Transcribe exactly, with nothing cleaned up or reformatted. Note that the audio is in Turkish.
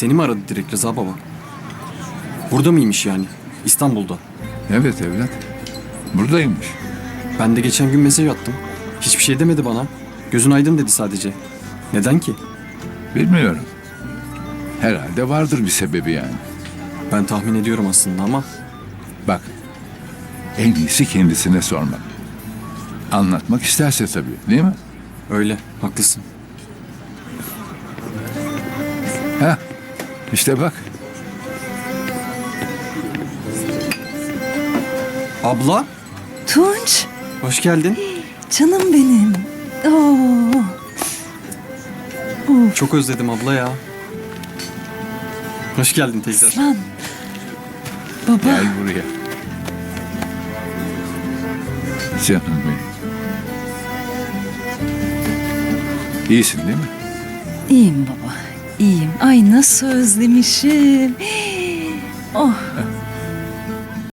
Seni mi aradı direkt Rıza baba? Burada mıymış yani? İstanbul'da. Evet evlat. Buradaymış. Ben de geçen gün mesaj attım. Hiçbir şey demedi bana. Gözün aydın dedi sadece. Neden ki? Bilmiyorum. Herhalde vardır bir sebebi yani. Ben tahmin ediyorum aslında ama Bak. En iyisi kendisine sormak. Anlatmak isterse tabii, değil mi? öyle. Haklısın. Ha? İşte bak. Abla, Tunç, hoş geldin. canım benim. Oo. Of, Çok özledim abla ya. Hoş geldin tekrar. lan. Baba, Gel buraya. Canım benim. İyisin değil mi? iyiyim baba, iyiyim. Ay nasıl özlemişim. Oh,